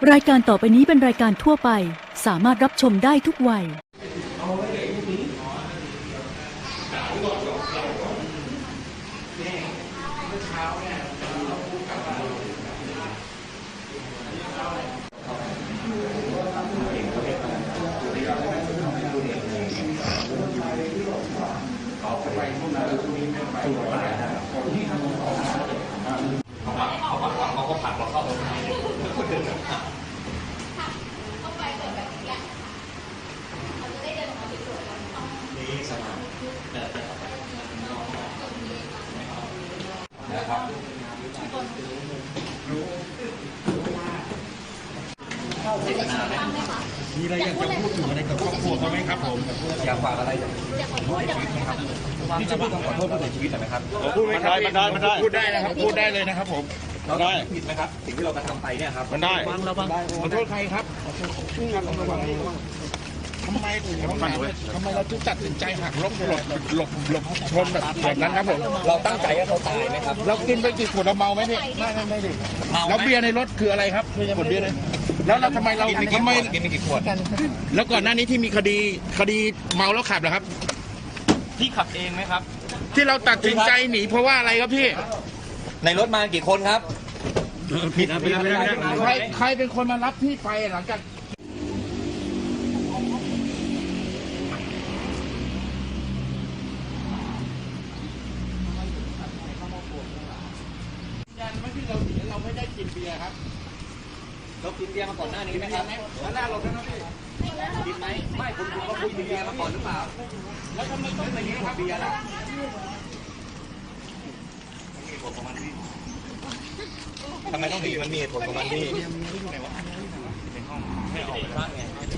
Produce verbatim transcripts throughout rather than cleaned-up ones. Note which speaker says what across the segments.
Speaker 1: รายการต่อไปนี้เป็นรายการทั่วไปสามารถรับชมได้ทุกวัย
Speaker 2: เขาก็ผัดเราเข้าตรงไหนนี่สนามนะครับมีอะไรอยากจะพูดถึงอะไรกับครอบครัวเขาไหมครับผมอยากฝากอะไรอยากขอโทษชีวิตไหมครับที่จะพูดคำขอโทษผู้เสียชีวิตหน่อยไหมครับพูดไม่ได้ไม่ได้ไม่ได้พูดได้นะครับพูดได้เลยนะครับผมเราได้ผิดไหมครับสิ่งที่เรากระทำไปเนี่ยครับมันได้ระวังขอโทษใครครับระวังทำไมทำไมทำไมเราถึงตัดสินใจหักล้มหลบหลบหลบชนแบบแบบนั้นครับผมเราตั้งใจให้เขาตายไหมครับเรากินไปกี่ขวดเราเมาไหมพี่ไม่ไม่ไม่ดิแล้วเบียร์ในรถคืออะไรครับขวดเบียร์เลยแล้วเราทำไมเราทำไมกินไปกี่ขวดแล้วก่อนหน้านี้ที่มีคดีคดีเมาแล้วขับเหรอครับพี่ขับเองไหมครับที่เราตัดสินใจหนีเพราะว่าอะไรครับพี่ในรถมากี่คนครับผิดนะใครใครเป็นคนมารับพี่ไปหลังจากยันไม่ที่เราหนีเราไม่ได้กินเบียร์ครับเรากินเบียร์มาก่อนหน้านี้ไหมครับหน้าเราแล้วนะพี่กินไหมไม่คุณคุณก็คุยเบียร์มาก่อนหรือเปล่าแล้วทำไมต้องไปนี้ครับเบียร์ล่ะทำไมต้องหนีมันมีเหตุผลของมันที่ไม่ออกไปบ้านไง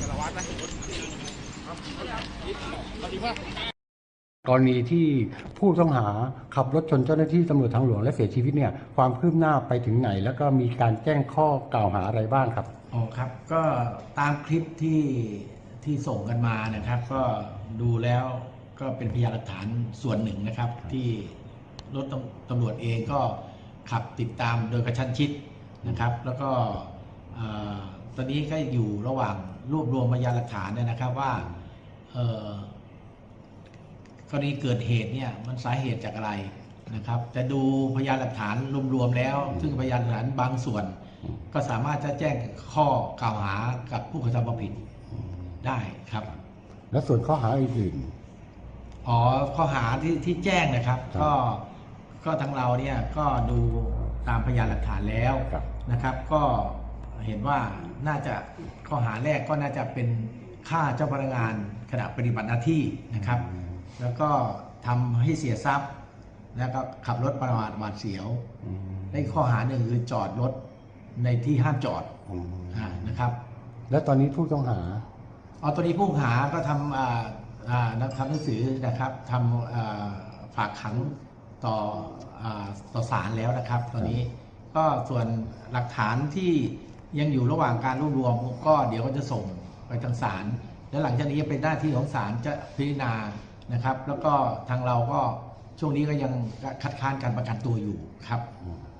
Speaker 3: กรณีที่ผู้ต้องหาขับรถชนเจ้าหน้าที่ตำรวจทางหลวงและเสียชีวิตเนี่ยความคืบหน้าไปถึงไหนแล้วก็มีการแจ้งข้อกล่าวหาอะไรบ้างครับ
Speaker 4: อ๋อครับก็ตามคลิปที่ที่ส่งกันมานะครับก็ดูแล้วก็เป็นพยานหลักฐานส่วนหนึ่งนะครับที่รถตำรวจเองก็ขับติดตามโดยกระชั้นชิดนะครับแล้วก็ตอนนี้ก็อยู่ระหว่างรวบรวมพยานหลักฐานเนี่ยนะครับว่ากรณีเกิดเหตุเนี่ยมันสาเหตุจากอะไรนะครับแต่ดูพยานหลักฐานรวมๆแล้วซึ่งพยานหลักฐานบางส่วนก็สามารถจะแจ้งข้อกล่าวหากับผู้กระทำความผิดได้ครับ
Speaker 3: และส่วนข้อหาอื่น
Speaker 4: ๆอ๋อข้อหาที่ที่แจ้งนะครับก็ก็ทางเราเนี่ยก็ดูตามพยานหลักฐานแล้วนะครับก็เห็นว่าน่าจะข้อหาแรกก็น่าจะเป็นฆ่าเจ้าพนักงานขณะปฏิบัติหน้าที่นะครับแล้วก็ทำให้เสียทรัพย์แล้วก็ขับรถประมาทหวาดเสียวและข้อหาหนึ่งคือจอดรถในที่ห้ามจอดนะครับ
Speaker 3: และตอนนี้ผู้ต้องหา
Speaker 4: อ๋อตอนนี้ผู้ต้องหาก็ทำอ่าอ่าทำหนังสือนะครับทำฝากขังต่ออ่าต่อศาลแล้วนะครับตอนนี้ก็ส่วนหลักฐานที่ยังอยู่ระหว่างการรวบรวมก็เดี๋ยวก็จะส่งไปทางศาลและหลังจากนี้เป็นหน้าที่ของศาลจะพิจารณานะครับแล้วก็ทางเราก็ช่วงนี้ก็ยังคัดค้านการประกันตัวอยู่ครับ